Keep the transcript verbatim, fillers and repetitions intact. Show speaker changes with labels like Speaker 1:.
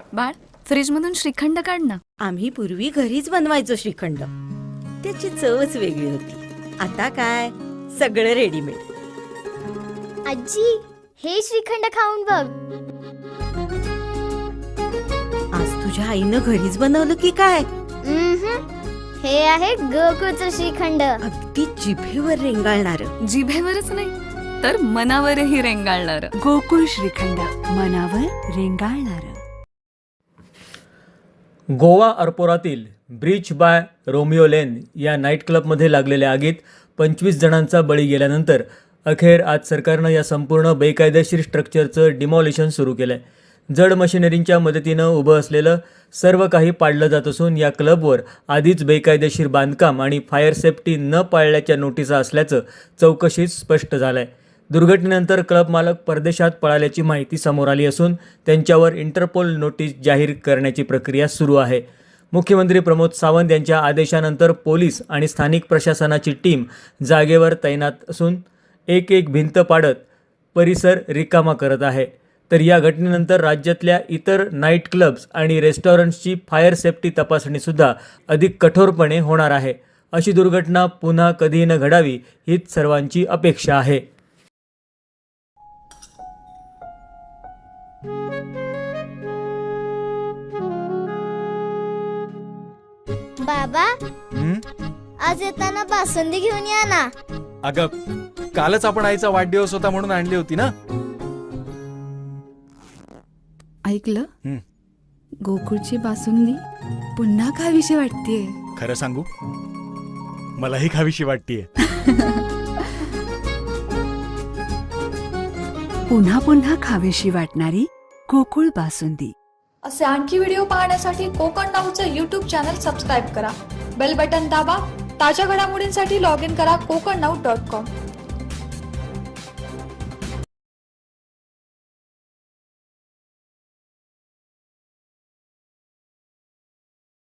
Speaker 1: बाळ, फ्रीज मधून श्रीखंड काढ ना.
Speaker 2: आम्ही पूर्वी घरीच बनवायचो श्रीखंड. त्याची चवच वेगळी होती. आता काय सगळं रेडीमेड.
Speaker 3: आजी, हे श्रीखंड खाऊन बघ.
Speaker 2: आज तुझ्या आईनं घरीच बनवलं की काय?
Speaker 3: उम्हम. हे आहे गोकुळचं श्रीखंड.
Speaker 2: अगदी जिभेवर रेंगाळणार.
Speaker 1: जिभेवरच नाही तर मनावरही रेंगाळणार.
Speaker 4: गोकुळ श्रीखंड, मनावर रेंगाळणार.
Speaker 5: गोवा अर्पोरातील ब्रीच बाय रोमिओ लेन या नाईट क्लबमध्ये लागलेल्या आगीत पंचवीस जणांचा बळी गेल्यानंतर अखेर आज सरकारनं या संपूर्ण बेकायदेशीर स्ट्रक्चरचं डिमॉलिशन सुरू केलं आहे. जड मशिनरींच्या मदतीनं उभं असलेलं सर्व काही पाडलं जात असून या क्लबवर आधीच बेकायदेशीर बांधकाम आणि फायर सेफ्टी न पाळल्याच्या नोटिसा असल्याचं चौकशीत स्पष्ट झालं आहे. दुर्घटनेनंतर क्लब मालक परदेशात पळाल्याची माहिती समोर आली असून त्यांच्यावर इंटरपोल नोटीस जाहीर करण्याची प्रक्रिया सुरू आहे. मुख्यमंत्री प्रमोद सावंत यांच्या आदेशानंतर पोलीस आणि स्थानिक प्रशासनाची टीम जागेवर तैनात असून एक एक भिंत पाडत परिसर रिकामा करत आहे. तर या घटनेनंतर राज्यातल्या इतर नाईट क्लब्स आणि रेस्टॉरंट्सची फायर सेफ्टी तपासणीसुद्धा अधिक कठोरपणे होणार आहे. अशी दुर्घटना पुन्हा कधीही न घडावी हीच सर्वांची अपेक्षा आहे.
Speaker 3: बाबा,
Speaker 6: हं?
Speaker 3: आज येताना बासुंदी घेऊन या ना.
Speaker 6: अगं, कालच आपण आईचा वाढदिवस होता म्हणून आणली होती ना.
Speaker 4: ऐकलं?
Speaker 6: हं.
Speaker 4: गोकुळची बासुंदी पुन्हा खावीशी वाटतेय.
Speaker 6: खरं सांगू, मलाही खावीशी वाटतेय.
Speaker 4: पुन्हा पुन्हा खावीशी वाटणारी गोकुळ बासुंदी.
Speaker 7: असे आणखी व्हिडिओ पाहण्यासाठी कोकण नाऊचं यूट्यूब चॅनल सबस्क्राईब करा. बेल बटन दाबा. ताज्या घडामोडींसाठी लॉग इन करा कोकण नाऊ डॉट कॉम.